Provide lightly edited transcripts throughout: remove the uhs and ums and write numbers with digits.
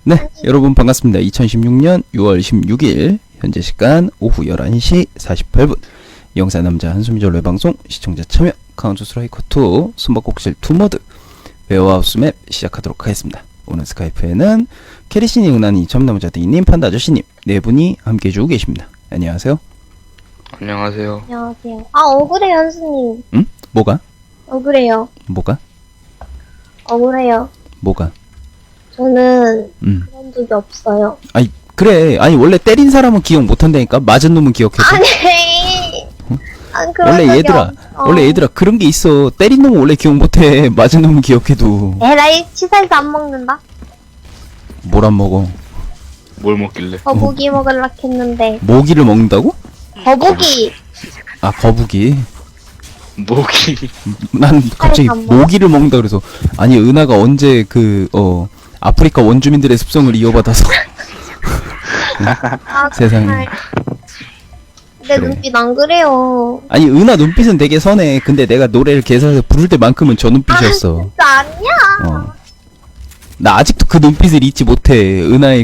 네, 여러분 반갑습니다. 2016년 6월 16일 현재 시간 오후 11시 48분 영사 남자 한숨이 전래 방송 시청자 참여 카운터 스트라이커 2 숨바꼭질 2모드 웨어하우스 맵 시작하도록 하겠습니다. 오늘 스카이프에는 캐리신이 은하니 점나무자대이님 판다 아저씨님 네 분이 함께 해주고 계십니다. 안녕하세요. 안녕하세요. 안녕하세요. 아, 억울해요, 현수님. 응? 뭐가? 억울해요. 뭐가? 억울해요. 뭐가? 저는 그런 적이 없어요. 아니 그래 아니 원래 때린 사람은 기억 못한다니까 맞은 놈은 기억해줘. 아니! 아, 그런 원래 적이 얘들아 없어. 원래 얘들아 그런 게 있어. 때린 놈은 원래 기억 못해. 맞은 놈은 기억해도. 에라이, 치사해서 안 먹는다? 뭘 안 먹어? 뭘 먹길래? 거북이 먹으려고 했는데. 모기를 먹는다고? 거북이! 아 거북이. 모기. 난 갑자기 안 먹어. 모기를 먹는다 그래서 아니 은하가 언제 아프리카 원주민들의 습성을 이어받아서 아, 세상에. 정말. 내 그래. 눈빛 안 그래요. 아니 은하 눈빛은 되게 선해. 근데 내가 노래를 개사해서 부를 때만큼은 저 눈빛이었어. 진짜 아니야. 나 아직도 그 눈빛을 잊지 못해. 은하의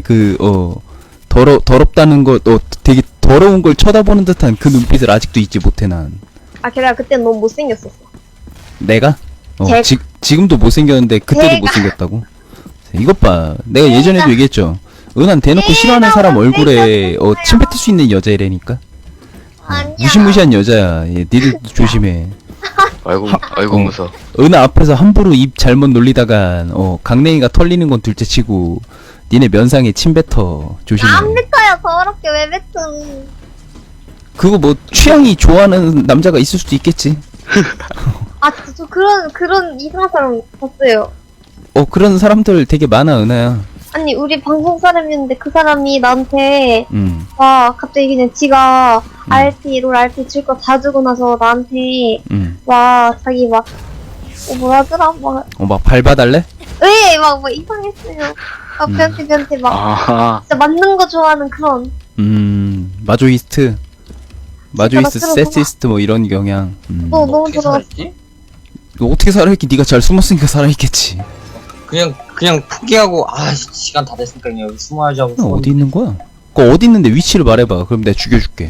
더럽다는 거 되게 더러운 걸 쳐다보는 듯한 그 눈빛을 아직도 잊지 못해 난. 아, 걔가 그때 너무 못생겼었어. 내가? 지금도 못생겼는데 그때도 제가- 못생겼다고? 이것 봐. 내가 예전에도 얘기했죠. 은한 대놓고 싫어하는 사람 얼굴에 침 뱉을 수 있는 여자애라니까. 아니야. 무시무시한 여자야. 얘, 니들 조심해. 아이고 무서. 은하 앞에서 함부로 입 잘못 놀리다가 강냉이가 털리는 건 둘째치고 니네 면상에 침 뱉어. 조심해. 안 뱉어요, 더럽게 왜 뱉음. 그거 뭐 취향이 좋아하는 남자가 있을 수도 있겠지. 아, 진짜 저 그런 이상한 사람 봤어요. 그런 사람들 되게 많아 은하야. 아니, 우리 방송 사람이었는데 그 사람이 나한테 막 갑자기 그냥 지가 롤 RP 줄 거 다 주고 나서 나한테 자기 뭐라 하더라? 막 밟아달래? 막 이상했어요. 변태 막 아, 진짜 맞는 거 좋아하는 그런. 마조이스트 들어봐. 세시스트 뭐 이런 경향. 너무 들어갔어. 너 어떻게 살아있기? 네가 잘 숨었으니까 살아있겠지. 그냥 포기하고 시간 다 됐으니까 그냥 여기 숨어야지 하고 너 어디 있는 거야? 그거 어디 있는데 위치를 말해봐. 그럼 내가 죽여줄게.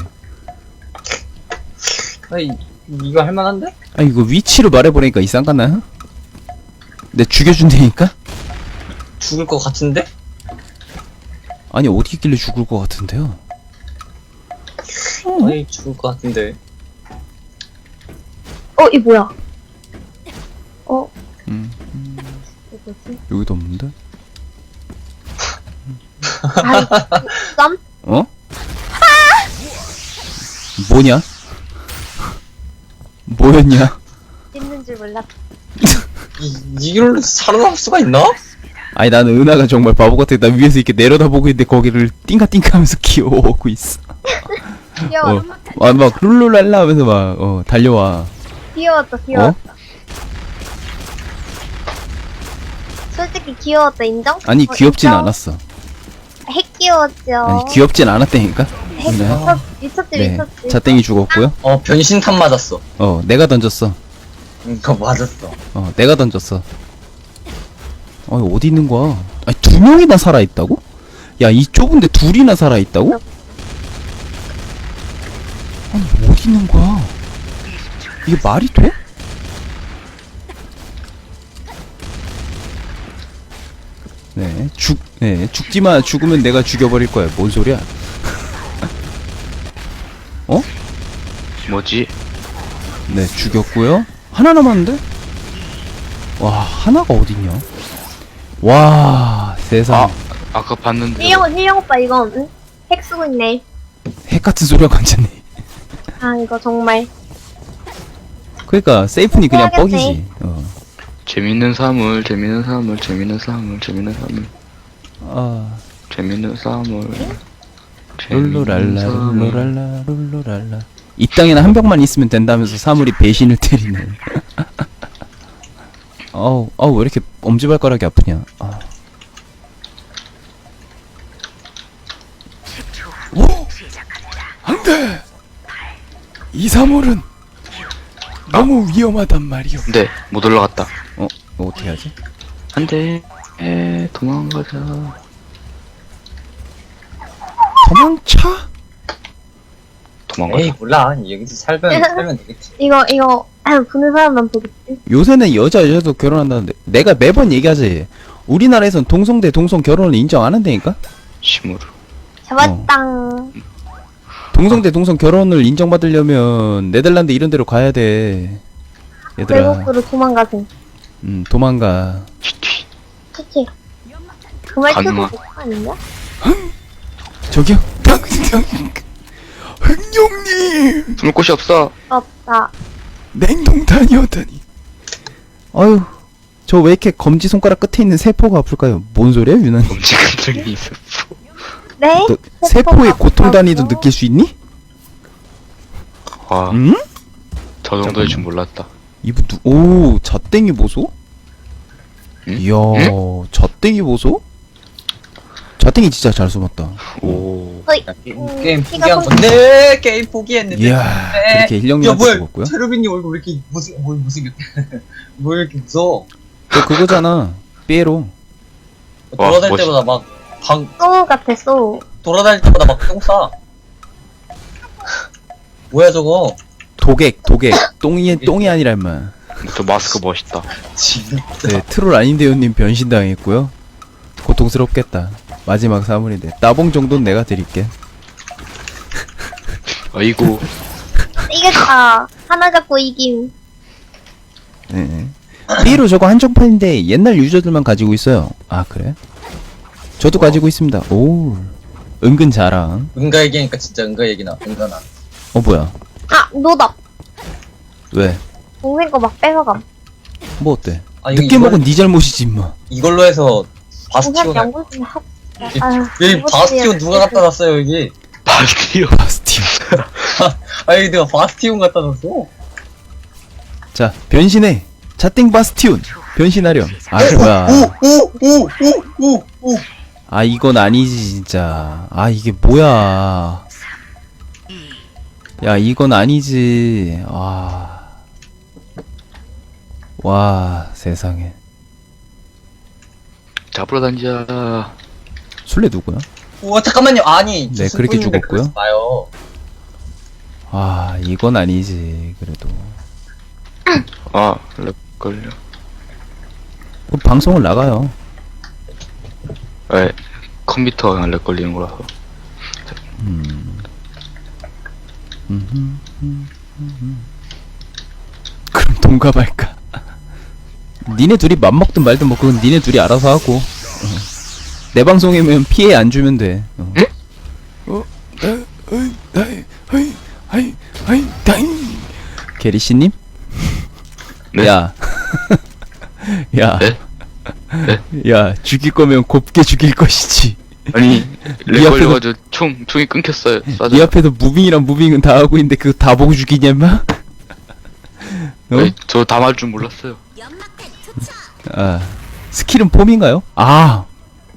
아니, 이거 할만한데? 아니 이거 위치를 말해보니까 이상하나? 내가 죽여준다니까? 죽을 것 같은데? 아니 어디 있길래 죽을 것 같은데요? 아니 죽을 것 같은데. 이 뭐야? 음, 이거 뭐지? 여기도 없는데? 아이, 쌈? 뭐냐? 뭐였냐? 있는 줄 몰랐어. 이걸로 살아남을 수가 있나? 아니 나는 은하가 정말 바보 같아. 나 위에서 이렇게 내려다보고 있는데 거기를 띵까띵까하면서 기어오고 있어. 귀여워. 막 룰루랄라 하면서 막 달려와. 귀여웠다. 솔직히 귀여웠다, 인정? 아니 귀엽진 인정? 않았어. 핵 귀여웠죠. 아니 귀엽진 않았다니까. 핵 그래. 미쳤지. 네, 자땡이 죽었고요. 변신탄 맞았어. 내가 던졌어. 그거 맞았어. 내가 던졌어. 어디 있는 거야? 아니 두 명이나 살아 있다고? 야 이 좁은데 둘이나 살아 있다고? 아니 어디 있는 거야? 이게 말이 돼? 죽지마. 죽으면 내가 죽여버릴 거야. 뭔 소리야? 뭐지? 네, 죽였고요. 하나 남았는데? 와, 하나가 어딨냐? 와, 세상. 아까 봤는데. 힐령 오빠 이건 응? 핵 쓰고 있네. 핵 같은 소리가 완전히. 아, 이거 정말. 그러니까 세이프니 그냥 해야겠네. 뻑이지. 재밌는 사물. 룰루랄라. 이 땅에는 한 병만 있으면 된다면서 사물이 배신을 때리네. 왜 이렇게 엄지발가락이 아프냐. 오! 안 돼! 이 사물은 너무 위험하단 말이오. 네, 못 올라갔다. 이거 어떻게 하지? 안돼. 도망가자. 도망쳐? 도망가자. 에이 몰라 여기서 살면 되겠지. 이거 보는 사람만 보겠지. 요새는 여자도 결혼한다는데 내가 매번 얘기하지. 우리나라에선 동성 대 동성 결혼을 인정 안 한다니까? 심으로. 잡았당. 동성 대 동성 결혼을 인정받으려면 네덜란드 이런 데로 가야 돼. 얘들아. 외국으로 도망가세요. 도망가. 튀튀. 그치? 그 말투도 가능하- 좋고 아닌가? 저기요. 흥룡님. 숨을 곳이 없어. 없다. 냉동탄이었다니. 아유. 저 왜 이렇게 검지 손가락 끝에 있는 세포가 아플까요? 뭔 소리야, 유난? 엄지 감정이 있었어. 네? 너 세포의 고통 단위도 아프다고? 느낄 수 있니? 와, 응? 저 정도일 줄 몰랐다. 이분 오, 잣땡이 보소? 응? 이야, 잣땡이 보소? 잣땡이 진짜 잘 숨었다. 오. 어이. 게임 피가 포기한 좀- 건데 게임 포기했는데. 이야, 네. 그렇게 야 힐령님한테 뭐야 죽었고요. 체르빈님 얼굴 왜 이렇게 무슨 뭐 이렇게 무서워? 저 그거잖아. 삐에로. 와, 돌아다닐 멋있- 때마다 막방 소우 같아, 소우. 돌아다닐 때마다 막 똥 싸. 뭐야 저거? 도객. 똥이 아니라 임마. 저 마스크 멋있다. 진짜. 네, 트롤 아닌데요님 변신당했고요. 고통스럽겠다. 마지막 사물인데. 따봉 정도는 내가 드릴게. 아이고. 이겼다. 하나 잡고 이김. 네. 삐에로 저거 한정판인데 옛날 유저들만 가지고 있어요. 아, 그래? 저도 가지고 있습니다. 오. 은근 자랑. 은가 얘기하니까 진짜 은가 얘기나. 은가나. 뭐야. 아, 노답. 왜? 동생 거 막 뺏어감. 뭐 어때? 아 이거 늦게 먹은 네 잘못이지 임마. 이걸로 해서 동생 바스티온. 양보 좀 하. 여기 바스티온 누가 갖다 놨어요 여기? 바스티오. 바스티온. 아 여기 내가 바스티온 갖다 놨어. 자, 변신해. 자땡 바스티온. 변신하렴. 아, 뭐야. 오오오오오오. 아, 이건 아니지 진짜. 아, 이게 뭐야. 야, 이건 아니지. 아. 와, 세상에. 잡으러 다니자. 술래 누구야? 오 잠깐만요. 아니. 네, 그렇게 죽었고요. 봐요. 아, 이건 아니지. 그래도. 아, 렉 걸려. 그럼 방송을 나가요. 에, 컴퓨터가 그냥 렉 걸리는 거라서. 그럼 동갑할까? 니네 둘이 맘먹든 말든 뭐 그건 니네 둘이 알아서 하고. 내 방송이면 피해 안 주면 돼. 게리씨님? 네? 야. 야. 네? 야, 죽일 거면 곱게 죽일 것이지. 아니, 렉 네 앞에서- 걸려가지고 총이 끊겼어요. 쏴줘. 네 앞에서 무빙이랑 무빙은 다 하고 있는데 그거 다 보고 죽이냐, 임마? 어? 저 다 맞을 줄 몰랐어요. 아, 스킬은 폼인가요? 아.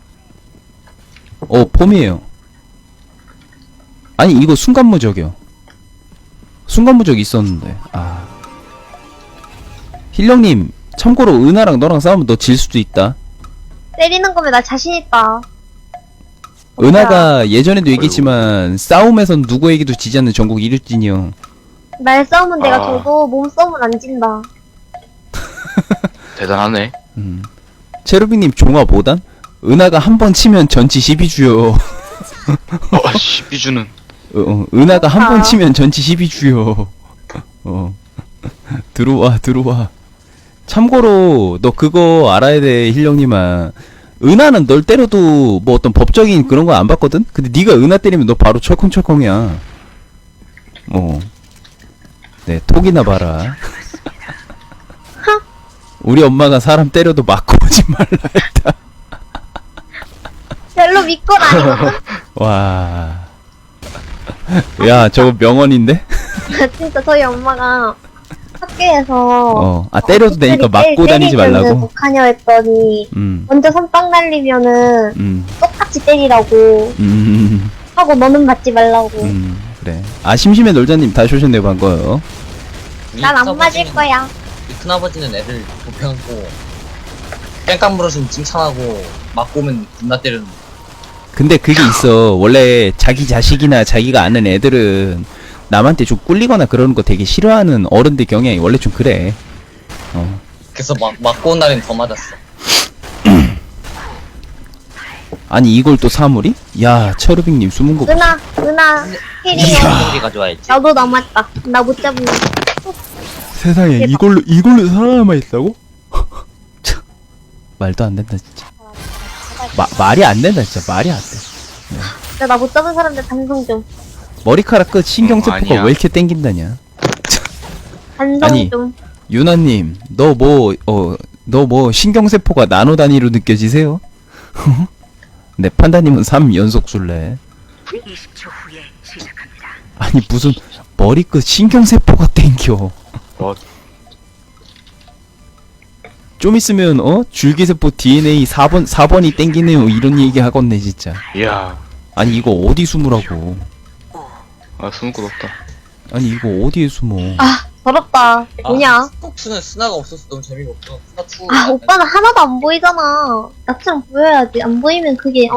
폼이에요. 아니, 이거 순간무적이요. 순간무적 있었는데. 아. 힐령님, 참고로 은하랑 너랑 싸우면 너 질 수도 있다. 때리는 거면 나 자신 있다. 은하가 예전에도 얘기했지만 싸움에선 누구에게도 지지 않는 전국 1위진이요. 날 싸우면 내가 아. 져도 몸 싸움은 안 진다. 대단하네. 체르비님 종합 5단? 은하가 한 번 치면 전치 12주요. 시비주는. 은하가 한 번 아. 치면 전치 12주요. 들어와. 참고로 너 그거 알아야 돼, 힐령님아. 은하는 널 때려도 뭐 어떤 법적인 그런 거 안 받거든? 근데 네가 은하 때리면 너 바로 철컹철컹이야. 네, 톡이나 봐라. 우리 엄마가 사람 때려도 맞고 오지 말라 했다. 별로 믿건 아니거든? 와. 야, 저거 명언인데? 진짜 저희 엄마가 학교에서 때려도 되니까 맞고 다니지 말라고. 못하냐 했더니 먼저 선빵 날리면은 똑같이 때리라고 하고 너는 맞지 말라고. 그래. 아, 심심해 놀자님 다시 오셨네요, 반가워요. 난 안 맞을 거야. 큰아버지는 애들 돕혀갖고 뺑깡 물어주면 칭찬하고 맞고 오면 겁나 때리는. 근데 그게 있어. 원래 자기 자식이나 자기가 아는 애들은 남한테 좀 꿀리거나 그러는 거 되게 싫어하는 어른들 경향이 원래 좀 그래. 그래서 맞고 온 날엔 더 맞았어. 아니 이걸 또 사물이? 야 철우빅님 숨은 거 봐. 은하 힐이요. 사람들이 가져와야지. 나도 남았다. 나 못 잡으면. 세상에 대박. 이걸로 살아남아 있다고? 참, 말도 안 된다 진짜. 말이 안 된다 진짜. 말이 안 돼. 진짜 나 못 잡은 사람들 반성 좀. 머리카락 끝 신경세포가 아니야. 왜 이렇게 땡긴다냐? 반성 아니. 좀. 유나님, 너 뭐 신경세포가 나노 단위로 느껴지세요? 네, 판다님은 3 연속 술래. 20초 후에 시작합니다. 아니 무슨 머리끝 신경세포가 땡겨. 좀 있으면 줄기세포 DNA 4번이 땡기네요 이런 얘기 하겠네 진짜. 이야. 아니 이거 어디 숨으라고. 아, 숨을 곳 없다. 아니 이거 어디에 숨어. 아 더럽다. 뭐냐? 스포츠는 스나가 없어서 너무 재미가 없어. 스나2. 아 오빠는 하나도 안 보이잖아. 나처럼 보여야지. 안 보이면 그게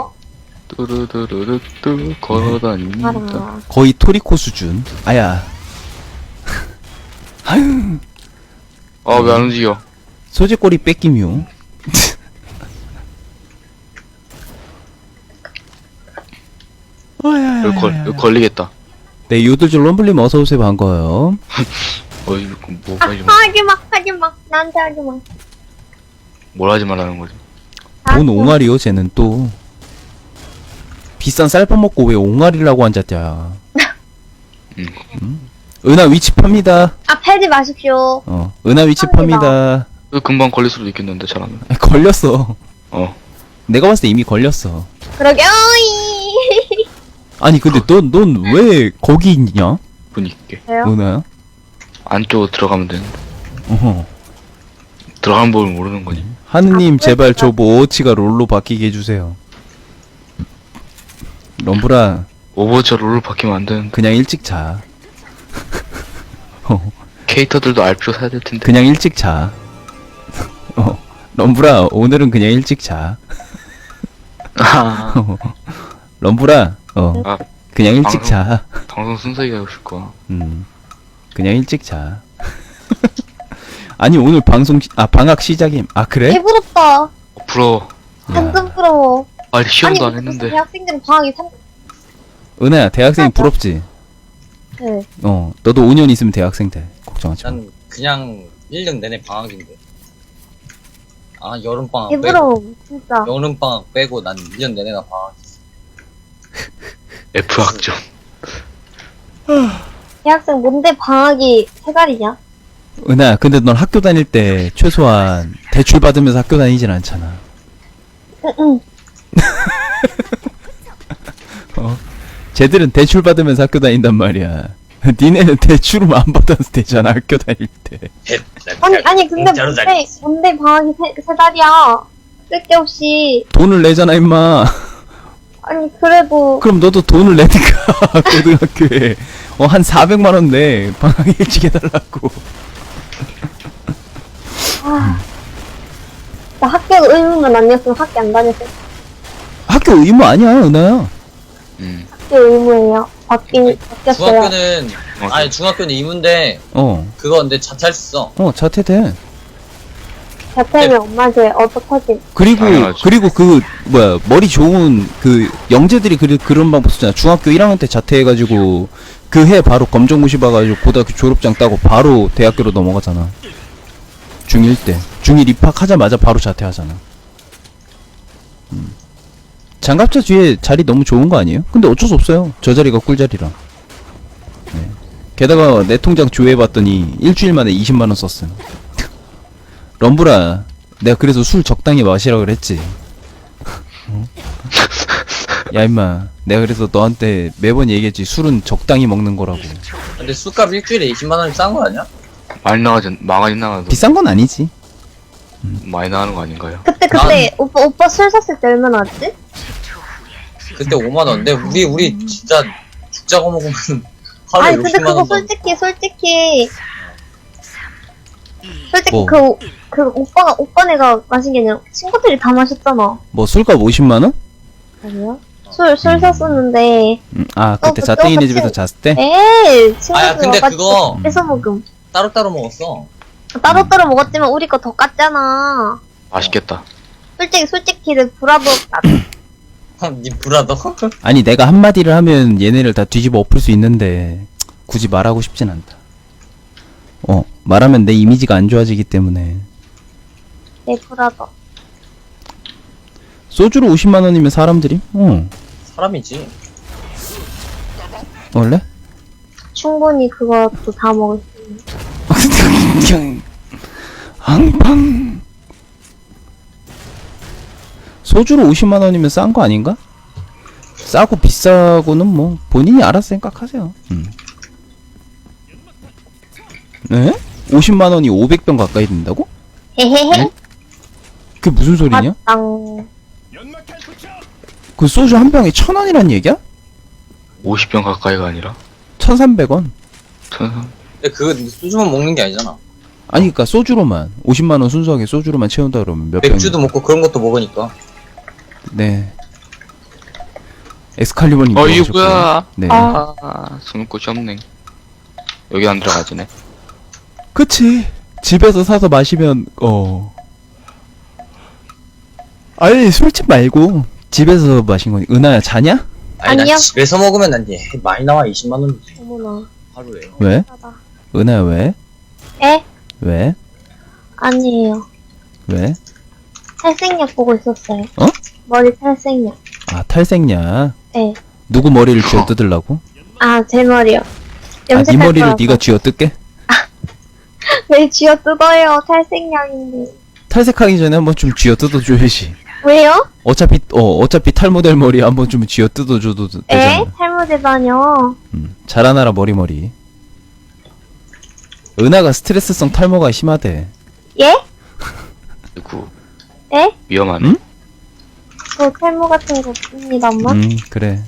뚜루뚜루뚜 걸어다닙니다. 알아. 거의 토리코 수준. 아야. 아유. 아, 왜 안 움직여? 소재꼬리 뺏기뮤. 이거 걸리겠다. 네, 요들줄 럼블님 어서오세요. 반가워요. 이거 뭐 아 하지 마. 하지마. 나한테 하지마. 뭘 하지 말라는 거지? 뭔 옹알이요 쟤는 또. 비싼 쌀밥 먹고 왜 옹알이라고 앉았냐. 은하 위치 팝니다. 아 팔지 마십시오. 은하 위치 팝니다. 이거 금방 걸릴 수도 있겠는데, 잘하면. 걸렸어. 내가 봤을 때 이미 걸렸어. 그러게 어이. 아니 근데 넌 왜 거기 있냐? 분위기. 왜요? 은하야? 안쪽으로 들어가면 되는데. 어허. 들어가는 법을 모르는 거지. 하느님 아, 제발 저 그러니까. 모어치가 롤로 바뀌게 해주세요. 럼브라 오버워치 롤을 바뀌면 안 되는데. 그냥 일찍 자. 캐릭터들도 RPO 사야 될 텐데. 그냥 일찍 자. 럼브라 오늘은 그냥 일찍 자. 아, 럼브라 아, 그냥 일찍 방송- 자. 방송 순서가 하고 싶을 거야. 그냥 일찍 자. 아니 오늘 방학 시작임. 아 그래? 배부럽다. 부러워. 완전 부러워. 아니, 시험도 안 무슨 했는데. 대학생들은 방학이 3. 은하야 대학생 부럽지? 네. 너도 5년 있으면 대학생 돼. 걱정하지 마. 난 그냥 1년 내내 방학인데. 아, 여름방학 배부러워. 진짜. 여름방학 빼고 난 1년 내내 다 방학. F 학점. 대학생 뭔데 방학이 3달이냐? 은하야 근데 넌 학교 다닐 때 최소한 대출 받으면서 학교 다니진 않잖아. 응. 쟤들은 대출 받으면서 학교 다닌단 말이야. 니네는 대출을 안 받아도 되잖아 학교 다닐 때. 아니 근데 공짜로 뭔데 방학이 3달이야? 쓸데없이. 돈을 내잖아 임마. 아니 그래도 그럼 너도 돈을 내니까 고등학교에 한 400만 원 내. 방학 일찍 해달라고. 나 학교 의무만 아니었으면 학교 안 다녔을. 학교 의무 아니야 은하야. 학교 의무예요. 바뀌었어요. 중학교는, 아니, 중학교는 의무인데, 그거 근데 자퇴할 수 있어. 자퇴돼. 자퇴면 엄마한테 어떡하지? 당연하지. 그리고 그 뭐야 머리 좋은 그 영재들이 그런 방법 쓰잖아. 중학교 1학년 때 자퇴해가지고 그 해 바로 검정고시 봐가지고 고등학교 졸업장 따고 바로 대학교로 넘어가잖아. 중1 때 중1 입학하자마자 바로 자퇴하잖아. 장갑차 뒤에 자리 너무 좋은 거 아니에요? 근데 어쩔 수 없어요. 저 자리가 꿀자리라. 네. 게다가 내 통장 조회해봤더니 일주일 만에 20만원 썼음. 럼브라 내가 그래서 술 적당히 마시라 그랬지. 야 임마 내가 그래서 너한테 매번 얘기했지. 술은 적당히 먹는 거라고. 근데 술값 일주일에 20만원이 싼 거 아니야? 많이 나가도 비싼 건 아니지. 많이 나가는 거 아닌가요? 그때 오빠 술 샀을 때 얼마나 왔지? 그때 5만원. 근데 우리 진짜 죽자고 먹으면 하루에 아니 근데 60만원. 그거 솔직히 뭐? 그 오빠네가 마신 게 아니라 친구들이 다 마셨잖아. 뭐 술값 50만원? 아니요? 술 샀었는데. 아 그때 그 자땡이네 똑같이- 집에서 잤을 때? 에이, 아야, 친구들 근데 와가지고 그거 뺏어 먹음. 따로따로 먹었어. 따로따로 먹었지만 우리 거 더 깠잖아. 맛있겠다. 솔직히 브라더 니 브라더? 아니 내가 한마디를 하면 얘네를 다 뒤집어 엎을 수 있는데 굳이 말하고 싶진 않다. 말하면 내 이미지가 안 좋아지기 때문에. 내 브라더. 소주로 50만 원이면 사람들이? 사람이지. 원래? 충분히 그것도 다 먹을 수 있는. 앙팡. 소주로 50만 원이면 싼 거 아닌가? 싸고 비싸고는 뭐 본인이 알아서 생각하세요. 네? 50만 원이 500병 가까이 된다고? 헤헤헤. 그게 무슨 소리냐? 맞당. 그 소주 한 병에 1,000원이란 얘기야? 50병 가까이가 아니라 1,300원. 근데 그거 소주만 먹는 게 아니잖아. 아니 그니까 소주로만 50만 원 순수하게 소주로만 채운다 그러면 몇 병? 맥주도 먹고 그런 것도 먹으니까. 네. 엑스칼리버님 이게 들어오셨고요. 뭐야? 네. 숨을 곳이 없네. 여기 안 들어가지네. 그치. 집에서 사서 마시면 아니 술집 말고 집에서 마신 거니. 은하야 자냐? 아니, 아니요. 난 집에서 먹으면 난 많이 나와. 20만 원이지. 어머나. 하루에. 왜? 하다. 은하야 왜? 에? 왜? 아니에요. 왜? 탈색약 보고 있었어요. 어? 머리 탈색약. 아 탈색냐? 네. 누구 머리를 쥐어 뜯으려고? 아, 제 머리요. 아, 네 염색할 머리를 거라서. 네가 쥐어 뜯게? 왜 쥐어 뜯어요? 탈색약인데. 탈색하기 전에 한번 좀 쥐어 뜯어줘야지. 왜요? 어차피 탈모델 머리 한번 좀 쥐어 뜯어줘도 에? 되잖아. 탈모되다뇨. 자라나라 머리. 은하가 스트레스성 탈모가 심하대. 예? 그리고 에? 위험하네. 응? 저 탈모 같은 거 없습니다, 엄마. 그래.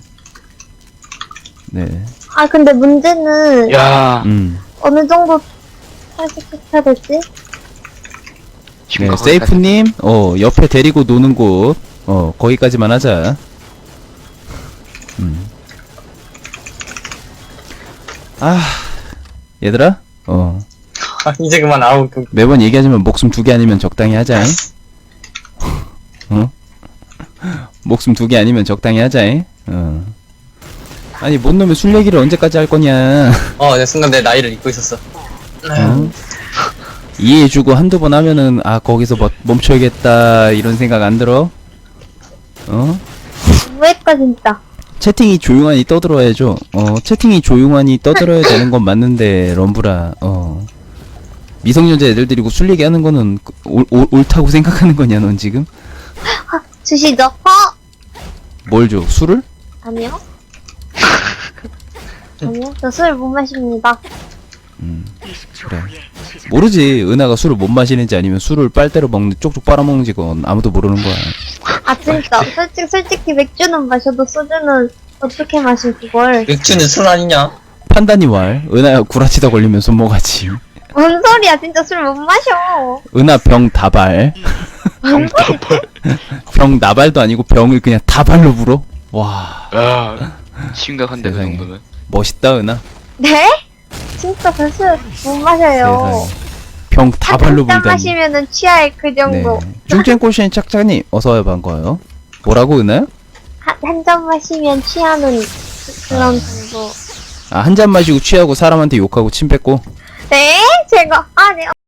네. 아, 근데 문제는 야, 어느 정도 탈색해야 되지? 네, 심각하게 세이프님, 옆에 데리고 노는 곳, 거기까지만 하자. 아, 얘들아, 이제 그만. 아우, 매번 얘기하지만 목숨 2개 아니면 적당히 하자. 목숨 2개 아니면 적당히 하자. 아니, 뭔 놈의 술 얘기를 언제까지 할 거냐. 내 순간 내 나이를 잊고 있었어. 이해해주고 한두 번 하면은, 거기서 멈춰야겠다, 이런 생각 안 들어? 왜까 진짜. 채팅이 조용하니 떠들어야죠. 채팅이 조용하니 떠들어야 되는 건 맞는데, 럼브라, 미성년자 애들 데리고 술 얘기하는 거는 옳다고 생각하는 거냐, 넌 지금? 주시죠. 뭘 줘? 술을? 아니요. 아니요. 저 술 못 마십니다. 20초 그래. 후에 시작. 모르지. 은하가 술을 못 마시는지 아니면 술을 빨대로 쪽쪽 빨아먹는지 그건 아무도 모르는 거야. 아, 진짜. 솔직히 맥주는 마셔도 소주는 어떻게 마실 그걸. 맥주는 술 아니냐? 판단이 왈. 은하야 구라치다 걸리면 손모가지. 뭔 소리야. 진짜 술 못 마셔. 은하 병 다발. 병 나발도 아니고 병을 그냥 다발로 불어? 와, 야, 심각한데 그 세상에. 정도면. 멋있다 은하. 네? 진짜 저 술 못 마셔요. 세상에. 병 다발로 한 잔 불다니. 마시면은 취할 그 네. 정도. 중쟁꼬시엔 짝짝님 어서와요 반가워요. 뭐라고 은하요? 한 잔 마시면 취하는 그런 정도. 한 잔 마시고 취하고 사람한테 욕하고 침 뱉고. 네? 제가, 네.